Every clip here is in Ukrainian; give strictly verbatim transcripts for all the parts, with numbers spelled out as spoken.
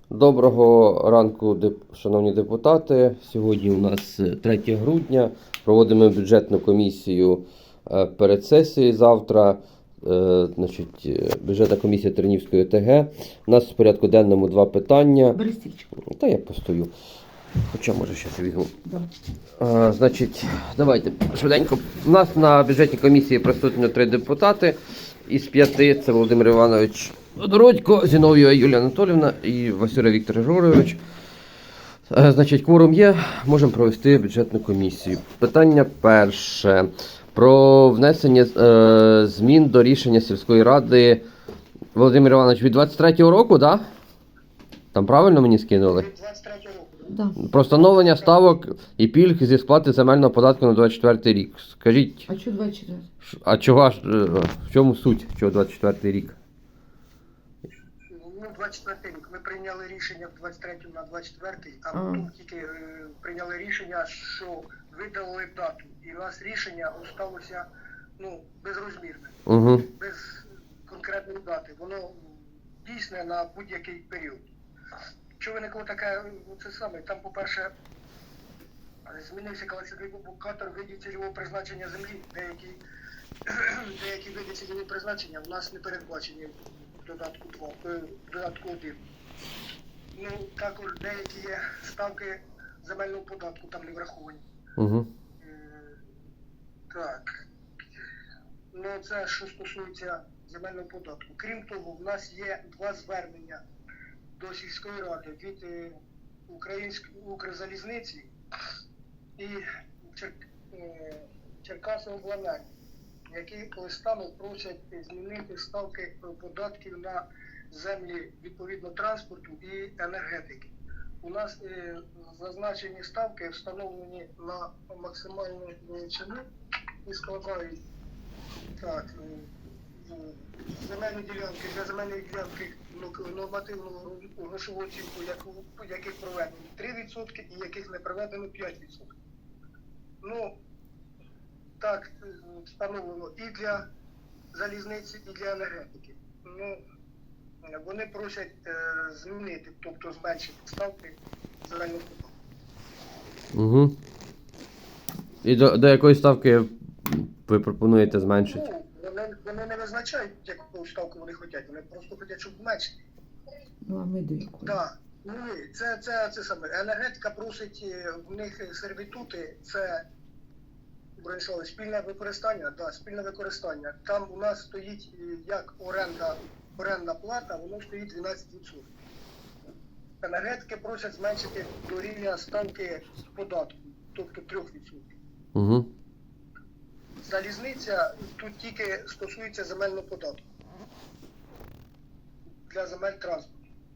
Доброго ранку, деп- шановні депутати. Сьогодні у нас третє грудня. Проводимо бюджетну комісію е, перед сесією завтра. Е, Значить, е, бюджетна комісія Тернівської ОТГ. У нас в порядку денному два питання. Бери стільчик. Та я постою. Хоча, може, зараз візьму. Да. А, значить, давайте швиденько. У нас на бюджетній комісії присутні три депутати. Із п'яти це Володимир Іванович Дородько, Зінов'єва Юлія Анатолівна і Васюра Віктор Григорович. А, значить, кворум є, можемо провести бюджетну комісію. Питання перше. Про внесення е, змін до рішення сільської ради Володимир Іванович від двадцять третього року, так? Да? Там правильно мені скинули? двадцять третього року. Да. Про встановлення ставок і пільг зі сплати земельного податку на двадцять четвертий рік. Скажіть, А що двадцять чотири? ш- а чого ж, е, в чому суть, чого двадцять четвертий рік? Ну, двадцять четвертий рік. Ми прийняли рішення в двадцять третьому на двадцять четвертий, а А. потім тільки е, прийняли рішення, що видали дату. І у нас рішення залишилося ну, безрозмірне, Угу. без конкретної дати. Воно дійсне на будь-який період. Що виникло таке, ну, це саме, там, по-перше, змінився класифікатор видів цільового призначення землі. Деякі, деякі види цільового призначення в нас не передбачені в додатку два, е, в додатку один. Ну, також деякі є ставки земельного податку там не враховані. Угу. Е, Так. Ну, це що стосується земельного податку. Крім того, в нас є два звернення до сільської ради від е, Української Укрзалізниці і Чер... е, Черкасовобленерго, які листами просять змінити ставки податків на землі відповідно транспорту і енергетики. У нас е, зазначені ставки встановлені на максимальну величину і складають так, е, земельні ділянки для земельної ділянки нормативного грошового оцінку, яких проведено три відсотки і яких не проведено п'ять відсотків. Ну, так встановлено і для залізниці, і для енергетики. Ну, вони просять е, змінити, тобто зменшити ставки земельного податку. Угу. І до, до якої ставки ви пропонуєте зменшити? Ну, вони, вони не визначають, яку ставку вони хочуть, вони просто хочуть, щоб зменшити. Ну, а ми до якої? Так, ну це, це, це саме. Енергетика просить е, в них сервітути, це броньшови, спільне використання, да, спільне використання. Там у нас стоїть е, як оренда, орендна плата, воно стоїть дванадцять відсотків. Енергетики просять зменшити до рівня ставки податку, тобто три відсотки. Угу. Залізниця тут тільки стосується земельного податку для земель транспорту.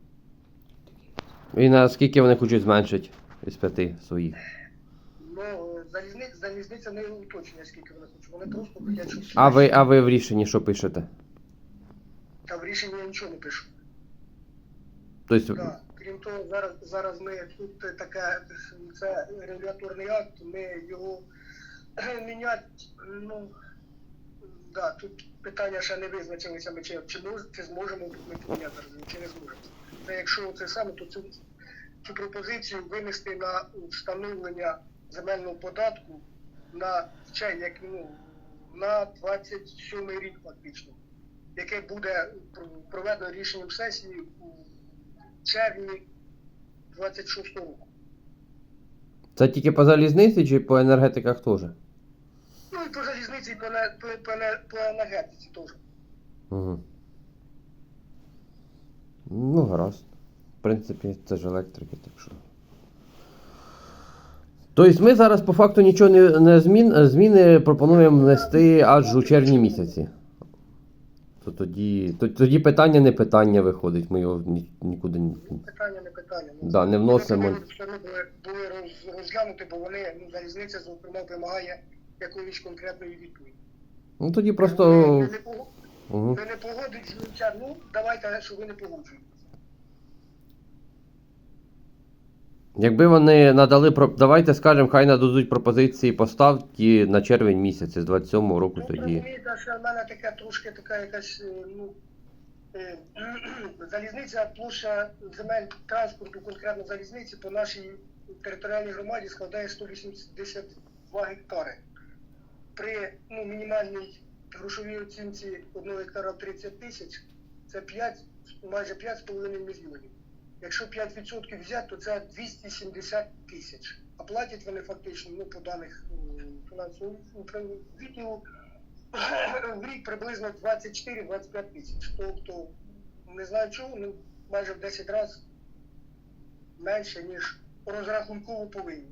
І наскільки вони хочуть зменшити із п'яти своїх? Ну, залізниця, залізниця не уточнює, скільки вони хочуть. Вони просто хочуть, щоб... А ви, а ви в рішенні що пишете? Та в рішенні я нічого не пишу. Тобто, Так. Крім того, зараз, зараз ми тут таке, це регуляторний акт, ми його міняти, ну, да, тут питання ще не визначилися, ми чи, чи, чи зможемо ми поміняти, чи не зможемо. Це якщо це саме, то цю, цю пропозицію винести на встановлення земельного податку на ще, як, ну, на двадцять сьомий рік фактично, яке буде проведено рішенням сесії у червні двадцять шостого року. це тільки по залізниці чи по енергетиках теж? Ну і по залізниці, і по, не- по, по, не- по енергетиці теж. Угу. Ну, гаразд. В принципі, це ж електрики, так що. Тобто ми зараз по факту нічого не, не змін, зміни пропонуємо внести аж у червні місяці. То тоді, то, тоді питання не питання виходить, ми його ні, нікуди не. Питання не питання. Ну, Да, не вносимо. Вони все одно були, були роз, розглянути, бо вони, ну, залізниця, зокрема, вимагає якоїсь конкретної відповіді. Ну тоді просто. Ви, ви, не, пог- Угу. ви не погоджуєтеся, ну давайте, що ви не погоджуєтеся. Якби вони надали про. Давайте скажемо, хай нададуть пропозиції поставки на червень місяць з двадцять сьомого року Ну, тоді. розумієте, що в мене таке трошки така якась, е, ну, Е, Залізниця, площа земель транспорту, конкретно залізниці, по нашій територіальній громаді складає сто вісімдесят два гектари. При ну, мінімальній грошовій оцінці одного гектара тридцять тисяч, це п'ять, майже п'ять з половиною мільйонів. Якщо п'ять відсотків взяти, то це двісті сімдесят тисяч. А платять вони фактично, ну, по даних м, фінансового відділу, в рік приблизно двадцять чотири - двадцять п'ять тисяч. Тобто, не знаю чого, ну, майже в десять разів менше, ніж розрахунково повинні.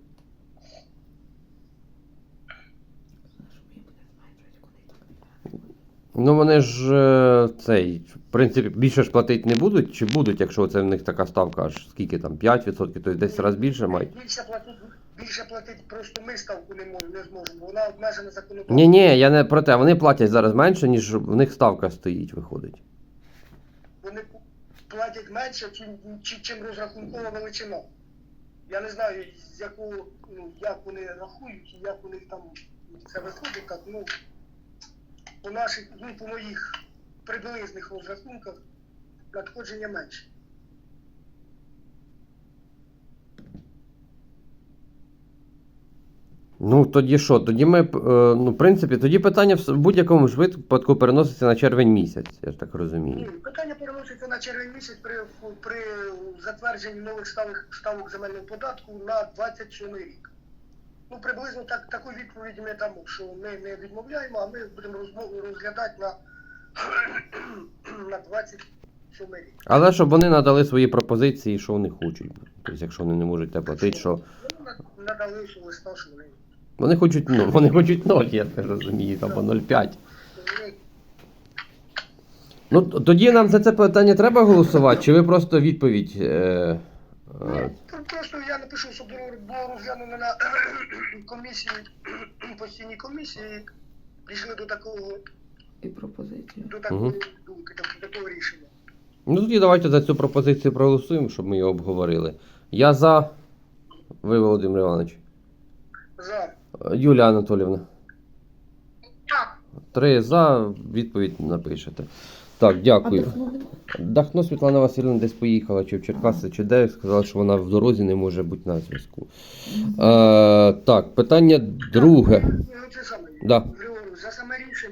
Ну вони ж е, цей, в принципі, більше ж платити не будуть, чи будуть, якщо це в них така ставка, аж скільки там, п'ять відсотків, тобто десять разів більше мають? Більше платить, більше платить просто ми ставку не можемо, не зможемо, вона обмежена законодавством. Ні, ні, я не про те, вони платять зараз менше, ніж в них ставка стоїть, виходить. Вони платять менше, чим, чим, чим розрахункова величина. Я не знаю, з яку, ну, як вони рахують, і як у них там це виходить, так, ну, по наших, ну, по моїх приблизних розрахунках надходження менше. Ну тоді що? Тоді ми, е, ну, в принципі, тоді питання в будь-якому ж випадку переноситься на червень місяць, я ж так розумію. Ні, питання переноситься на червень місяць при, при затвердженні нових ставок, ставок земельного податку на двадцять сьомий рік. Ну, приблизно так, таку відповідь ми дамо, що ми не відмовляємо, а ми будемо розмову розглядати на, на двадцять сьомий рік. Але щоб вони надали свої пропозиції, що вони хочуть. Тобто, якщо вони не можуть те платити, що. Вони надали, що листа, що вони. Вони хочуть, ну, вони хочуть ноль, я так розумію, там по нуль цілих п'ять. Вони Ну, т- тоді нам за це питання треба голосувати, чи ви просто відповідь. Е, е, Ну, просто я напишу, щоб було було розглянено на комісії, постійній комісії, прийшли до такого, І пропозицію. до такої Мгм. думки, до такого рішення. ну тоді давайте за цю пропозицію проголосуємо, щоб ми її обговорили. Я за. Ви, Володимир Іванович. За. Е, Юлія Анатоліївна. Так. Три за, відповідь напишете. Так, А дякую. Дахно нема? Дахно Світлана Васильівна десь поїхала, чи в Черкаси, чи де, сказала, що вона в дорозі не може бути на зв'язку. Е, так, питання друге. Ну, це саме. Да. Григорій, за саме рішення,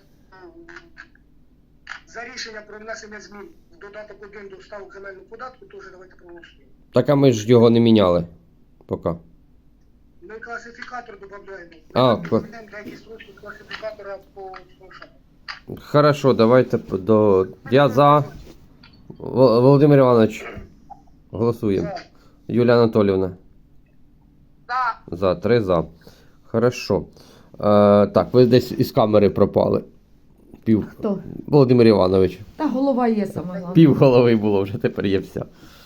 за рішення про внесення змін в додаток один до ставок земельного податку, теж давайте проголосуємо. Так, а ми ж його не міняли. Поки. Ми класифікатор додаємо. А, Ми кла- додаємо деякі строчки класифікатора по слушанню. Хорошо, давайте п- до. Я за. Вол- Володимир Іванович. Голосуємо. За. Юлія Анатоліївна. За. За, три за. Хорошо. Е, так, ви десь із камери пропали. Пів. Хто? Володимир Іванович. Та голова є саме головне. Пів голови було, вже тепер є вся.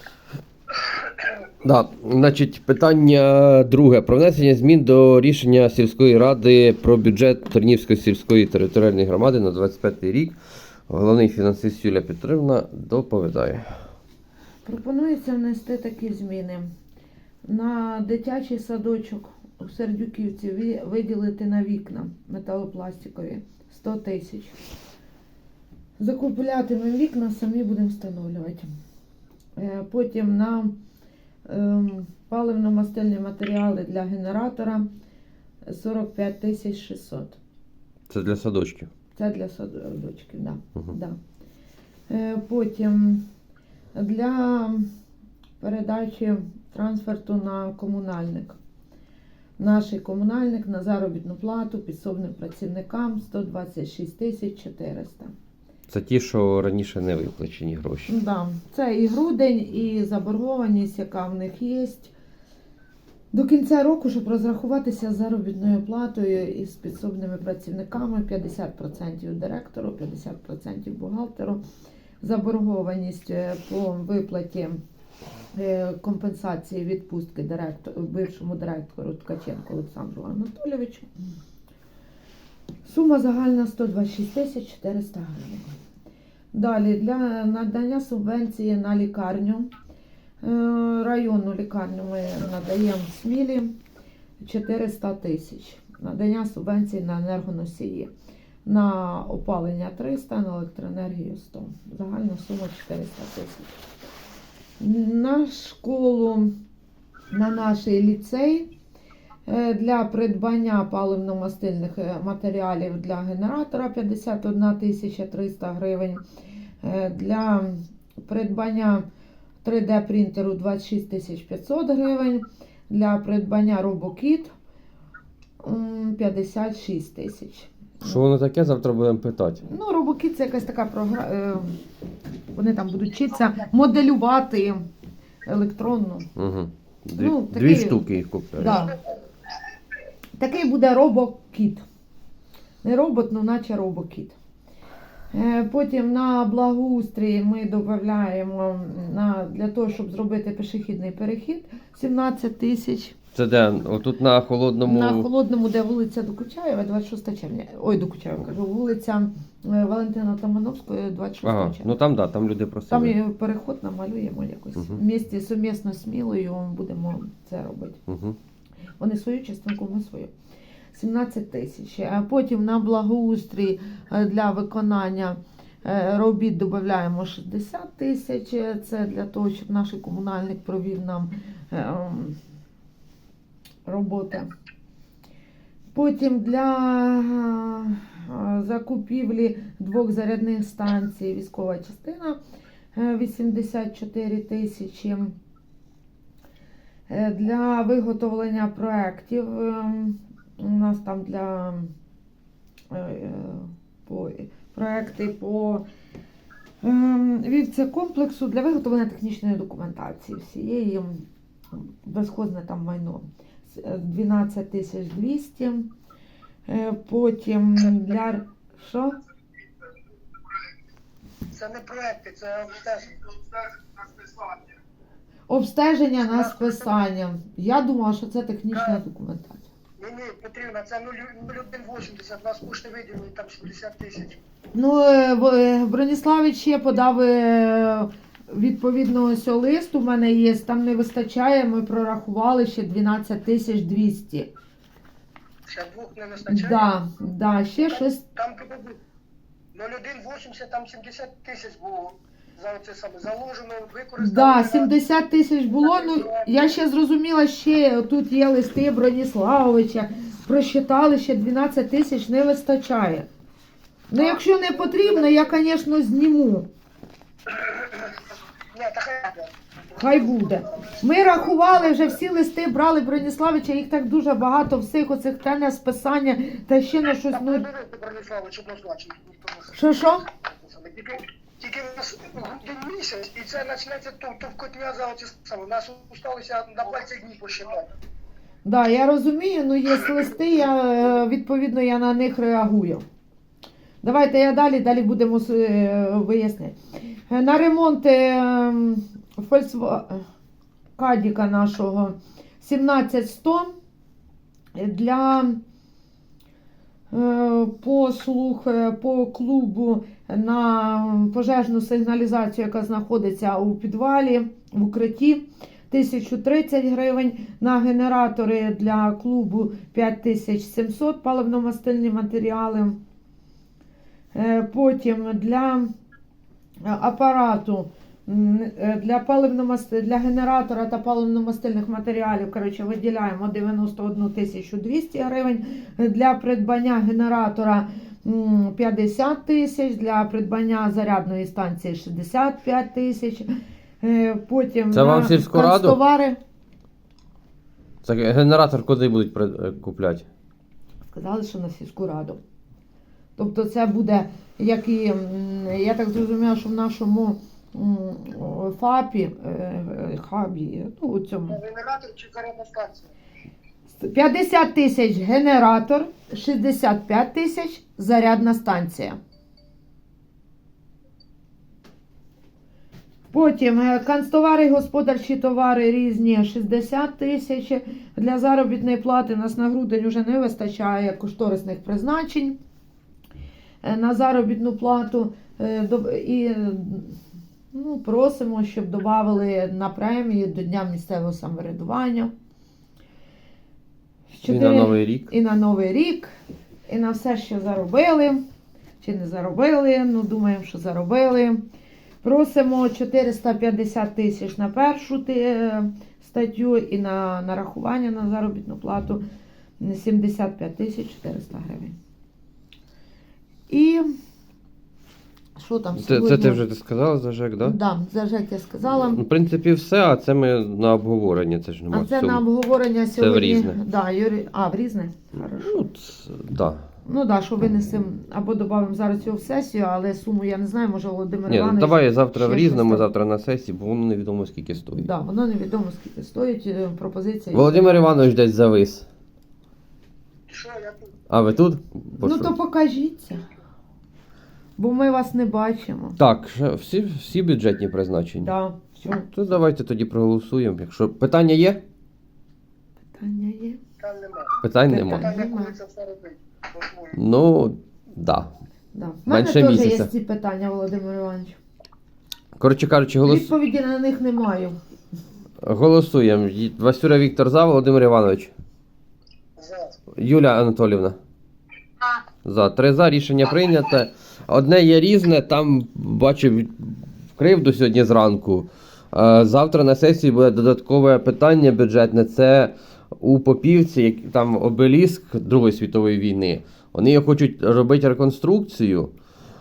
Да, значить, питання друге. Про внесення змін до рішення сільської ради про бюджет Тернівської сільської територіальної громади на двадцять п'ятий рік. Головний фінансист Юлія Петрівна доповідає. Пропонується внести такі зміни. На дитячий садочок у Сердюківці ві- виділити на вікна металопластикові сто тисяч. Закуплятимемо вікна, самі будемо встановлювати. Е, Потім на ем, паливно-мастильні матеріали для генератора сорок п'ять тисяч шістсот. Це для садочків. Це для садочків, да. Мгм. Да. Е, Потім для передачі трансферту на комунальник. Наш комунальник на заробітну плату підсобним працівникам сто двадцять шість тисяч чотириста. Це ті, що раніше не виплачені гроші. Да. Це і грудень, і заборгованість, яка в них є. До кінця року, щоб розрахуватися з заробітною платою і з підсобними працівниками, п'ятдесят відсотків директору, п'ятдесят відсотків бухгалтеру. Заборгованість е, по виплаті е, компенсації відпустки директор, бившому директору Ткаченку Олександру Анатолійовичу. Сума загальна сто двадцять шість тисяч чотириста гривень. Далі для надання субвенції на лікарню. Е, Районну лікарню ми надаємо в Смілі чотириста тисяч. Надання субвенції на енергоносії. на опалення триста, на електроенергію сто. Загальна сума чотириста тисяч. На школу, на наш ліцей е, для придбання паливно-мастильних е, матеріалів для генератора п'ятдесят одна тисяча триста гривень. Е, Для придбання три де принтеру двадцять шість тисяч п'ятсот гривень. Для придбання робокіт м, п'ятдесят шість тисяч. Що воно таке, завтра будемо питати. Ну, робокіт це якась така програма. Вони там будуть вчитися моделювати електронну. Угу. Дві, Ну, дві такий- штуки їх купляють. Да. Такий буде робокіт. Не робот, ну наче робокіт. Е, Потім на благоустрій ми додаємо на, для того, щоб зробити пішохідний перехід сімнадцять тисяч. Це де? Отут на холодному. На холодному, де вулиця Докучаєва, двадцять шостого червня. Ой, Докучаєва кажу, вулиця е, Валентина Тамановської, двадцять шостого Ага, червня. ну там да, там люди Там просили. і переход намалюємо якось. Мгм. В місті сумісно з Смілою будемо це робити. Угу. Вони свою частинку, ми свою. сімнадцять тисяч. А потім на благоустрій е, для виконання е, робіт додаємо шістдесят тисяч. Це для того, щоб наш комунальник провів нам е, ем, роботи. Потім для е, закупівлі двох зарядних станцій військова частина е, вісімдесят чотири тисячі. Е, Для виготовлення проєктів е, у нас там для е, е, по, проєкти по е, вівцекомплексу для виготовлення технічної документації всієї безхозне там майно С- дванадцять тисяч двісті. Е, Потім для що? Це не проекти, це обстеження. Обстеження на списання. Я думала, що це технічна документація. Ні, ні, Петрівна, це нуль один вісімдесят, нас кошти виділили, там сімдесят тисяч. Ну, е, в- е, Броніславич ще подав е, відповідно ось лист, у мене є, там не вистачає, ми прорахували ще дванадцять тисяч двісті. Ще двох не вистачає? Да, да, ще щось. Там нуль один вісімдесят, там сімдесят тисяч було за оце саме заложено, використано. Да, сімдесят тисяч було. Ну, я ще зрозуміла, ще тут є листи Броніславовича, просчитали, ще дванадцять тисяч не вистачає. Ну, якщо не потрібно, я, звісно, зніму. Ні, та хай буде. Хай буде. Ми рахували, вже всі листи брали Броніславича, їх так дуже багато, всіх оцих та на списання, та ще на щось. Так, Ну, не дивити, Брониславович, однозначно. ніхто не знає. що, що? Тільки, тільки в нас грудень місяць, і це почнеться то, то в котня за оці саме. У нас усталося на пальцях днів посчитати. Да, я розумію, ну є листи, я, е, відповідно, я на них реагую. Давайте я далі, далі будемо е, виясняти. Е, На ремонт е, Volkswagen Кадіка нашого сімнадцять сто для е, послуг е, по клубу на пожежну сигналізацію, яка знаходиться у підвалі, в укритті. тисяча тридцять гривень, на генератори для клубу п'ять тисяч сімсот, паливно-мастильні матеріали. Е, Потім для апарату, м, е, для паливно-масти- для генератора та паливно-мастильних матеріалів, коротше, виділяємо дев'яносто одну тисячу двісті гривень, для придбання генератора м, п'ятдесят тисяч, для придбання зарядної станції шістдесят п'ять тисяч. Е, Потім Це вам на сільську раду? канцтовари. Це генератор куди будуть при- купляти? Сказали, що на сільську раду. Тобто це буде, як і, м, я так зрозуміла, що в нашому м, ФАПі, е, е, хабі, ну, у цьому, Генератор чи зарядна станція? п'ятдесят тисяч генератор, шістдесят п'ять тисяч зарядна станція. Потім е, канцтовари, господарчі товари різні шістдесят тисяч. Для заробітної плати нас на грудень вже не вистачає кошторисних призначень. Е, На заробітну плату е, до- і е, ну, просимо, щоб додали на премію до Дня місцевого самоврядування. І на Чотири- Новий рік. і на Новий рік, і на все, що заробили. чи не заробили. Ну, думаємо, що заробили. Просимо чотириста п'ятдесят тисяч на першу ти- статтю і на нарахування на заробітну плату сімдесят п'ять тисяч чотириста гривень. І що там Це, сьогодні? це ти вже ти сказала за ЖЕК, так? Да? Да, за ЖЕК я сказала. Ну, в принципі, все, а це ми на обговорення, це ж нема А це цього. на обговорення сьогодні. в Різне. Да, Юрій... А, в різне? Хорошо. Ну, ц- да. Ну так, да, що винесемо або додамо зараз його в сесію, але суму я не знаю, може Володимир Ні, ну, Іванович. давай завтра в ще різному, щось там. завтра на сесії, бо воно невідомо скільки стоїть. Да, воно невідомо скільки стоїть. е, Пропозиція. Володимир Іванович десь завис. Що я тут? А ви тут? Бо Ну що? то покажіться. Бо ми вас не бачимо. Так, ще всі, всі бюджетні призначення. Да, все. То давайте тоді проголосуємо. Якщо питання є, Питання є. Там нема. питань Питань. немає. Питання, Нема. коли це все робити. По-своєму. Ну, да. Да. В мене Менше теж є місяця. ці питання, Володимир Іванович. Коротше кажучи, голос... Відповіді на них не маю. голосуємо. Й- Васюра Віктор за, Володимир Іванович. За. Юля Анатолівна. За. Три за, рішення прийнято. Одне є різне, там бачив кривду сьогодні зранку. Е, Завтра на сесії буде додаткове питання бюджетне. Це у Попівці, як- там обеліск Другої світової війни. Вони його хочуть робити реконструкцію е,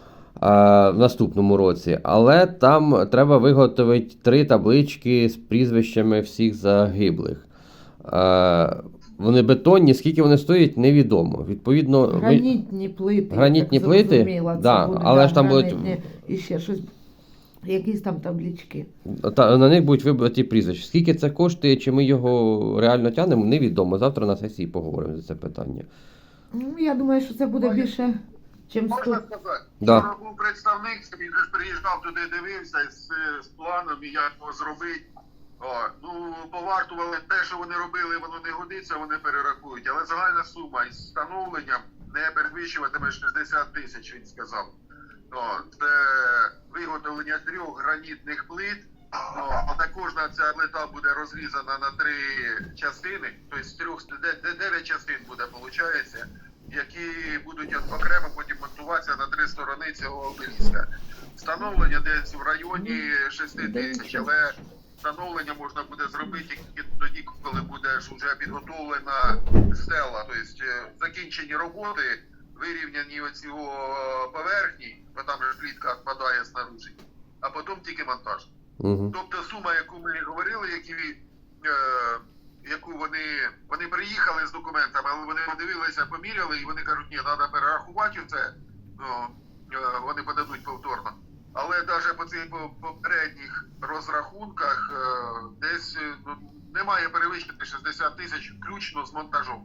в наступному році, але там треба виготовити три таблички з прізвищами всіх загиблих. Е, Вони бетонні, скільки вони стоять, невідомо. Відповідно, ми- Гранітні плити. Гранітні так плити? зрозуміла, це Да, буде, але да, ж там будуть- гранітні. І ще щось. Якісь там таблички. Та, на них будуть вибрані прізвища. Скільки це коштує, чи ми його реально тягнемо, невідомо. Завтра на сесії поговоримо за це питання. Ну, я думаю, що це буде Ой. більше, чим Можна сто. сказати? Да. Вчора був представник, він же ж приїжджав туди, дивився з, з планом, і як його зробити. О, ну, повартували те, що вони робили, воно не годиться, вони перерахують. Але загальна сума із встановленням не перевищуватиме шістдесят тисяч, він сказав. О, це виготовлення трьох гранітних плит. О, а кожна ця плита буде розрізана на три частини, тобто з трьох, де- де- дев'ять частин буде, виходить, які будуть окремо потім монтуватися на три сторони цього обеліска. Встановлення десь в районі шести тисяч, але встановлення можна буде зробити тільки тоді, коли буде ж вже підготовлена стела, тобто е, закінчені роботи, вирівняні оці о, поверхні, бо там же плітка відпадає снаружи, а потім тільки монтаж. Угу. Тобто сума, яку ми говорили, які, е, яку вони, вони приїхали з документами, але вони подивилися, поміряли, і вони кажуть, ні, треба перерахувати це, ну, е, вони подадуть повторно. Але навіть по цих по- попередніх розрахунках е, десь е, ну, немає перевищити шістдесят тисяч включно з монтажом.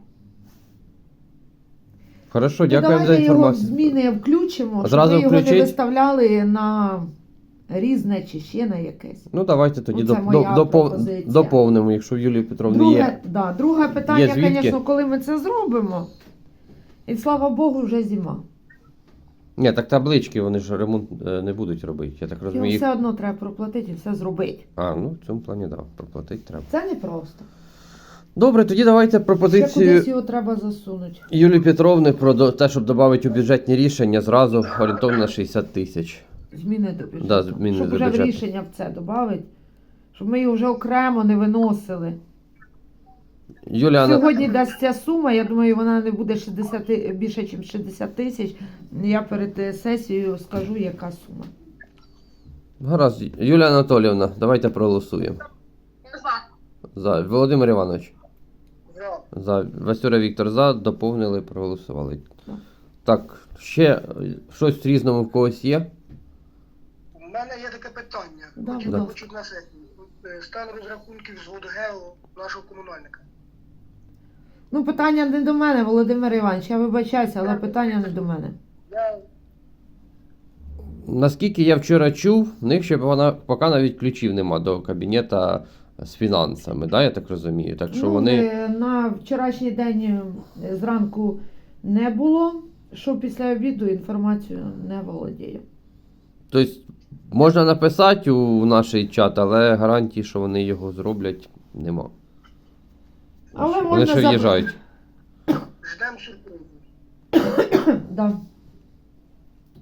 Хорошо, Ну, дякуємо за давайте його в інформацію. зміни включимо, Зразу щоб ми його включить? не виставляли на різне чи ще на якесь. Ну давайте тоді Оце доп- моя до- допов- пропозиція. доповнимо, якщо в Юлії Петровні Друге, є. да, друге питання, звідки? звісно, коли ми це зробимо. І слава Богу, вже зима. Ні, так таблички вони ж ремонт е, не будуть робити. Я так Його розумію. їх- все одно треба проплатити і все зробити. А, ну в цьому плані да, проплатити треба. Це непросто. Добре, тоді давайте Ще пропозицію кудись його треба засунути. Юлії Петровни про до- те, щоб додати у бюджетні рішення зразу орієнтовно на шістдесят тисяч. Зміни до бюджету. Да, зміни щоб до вже в бюджету. рішення в це додати. Щоб ми його вже окремо не виносили. Юлія Ана- Сьогодні дасть ця сума, я думаю, вона не буде шістдесят, більше, ніж шістдесят тисяч. Я перед е, сесією скажу, яка сума. Гаразд, Юлія Анатоліївна, давайте проголосуємо. За. Володимир Іванович. За. За. Васюра Віктор за. Доповнили, проголосували. Так. Так, ще е, щось в різному в когось є? У мене є таке питання. Да, Хотів будь би ласка. почути на сесії. Е, Стан розрахунків з водогео нашого комунальника. Ну, питання не до мене, Володимир Іванович, я вибачаюся, але питання не до мене. Я Наскільки я вчора чув, в них ще вона, поки навіть ключів нема до кабінета з фінансами, да, я так розумію. Так що ну, вони. е, на вчорашній день е, зранку не було, що після обіду інформацію не володію. Тобто можна написати у наш чат, але гарантії, що вони його зроблять, нема. Але вони можна ще заб- в'їжджають. ждемо сюрпризу. Да.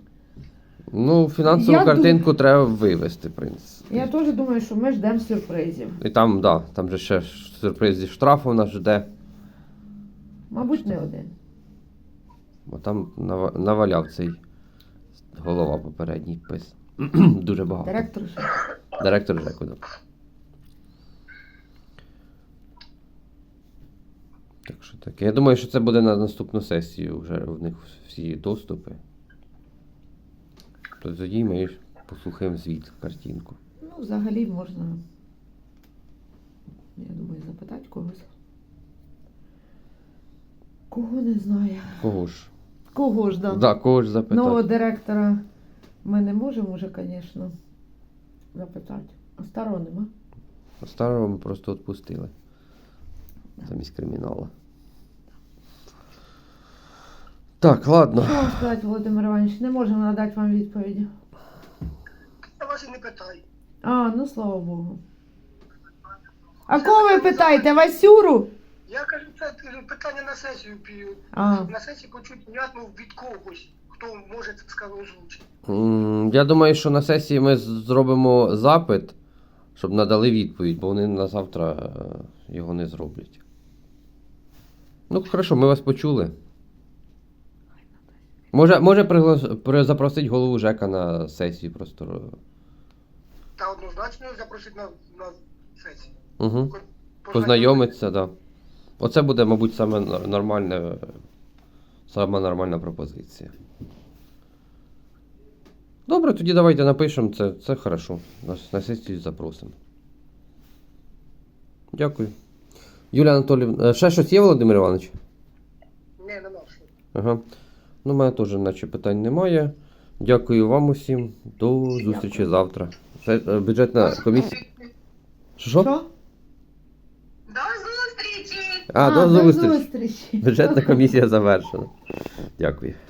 Ну, фінансову Я картинку треба вивести, в принципі. Я теж думаю, що ми ждемо сюрпризів. І там, да, там же ще сюрприз зі штрафу нас жде. Мабуть, не один. Бо там нава- наваляв цей голова попередній пис. Дуже багато. Директор же. Директор ЖЕКу, да. Так що таке. Я думаю, що це буде на наступну сесію вже в них всі доступи. То тоді ми послухаємо звіт, картинку. Ну, взагалі можна, я думаю, запитати когось. Кого не знаю. Кого ж? Кого ж, да. Да, кого ж запитати? Нового директора ми не можемо вже, звісно, запитати. А старого нема. Старого ми просто відпустили. Замість криміналу. Так, ладно. Що вам сказати, Володимир Іванович? Не можемо надати вам відповіді. Я вас і не питаю. А, ну слава Богу. А кого ви питаєте? Васюру? Я кажу, це кажу, питання на сесію пію. А, На сесії почуть внятно від когось, хто може це сказати озвучити. М, Я думаю, що на сесії ми з- зробимо запит, щоб надали відповідь, бо вони на завтра е, його не зроблять. Ну, хорошо, ми вас почули. Може, може пригла- при- запросити голову ЖЕКа на сесію просто. Та однозначно запросити на, на сесію. Угу. Познайомитися, так. Да. Оце буде, мабуть, саме нор- нормальне, саме нормальна пропозиція. Добре, тоді давайте напишемо це, це хорошо. Нас на сесію запросимо. Дякую. Юлія Анатоліївна, е, ще щось є, Володимир Іванович? Ні, нема що. Ага. Ну, у мене теж наче питань немає. Дякую вам усім. До зустрічі Дякую. завтра. Це е, бюджетна комісія. Що? що? що? До зустрічі! А, А, до до зустрічі. зустрічі. Бюджетна комісія завершена. Дякую.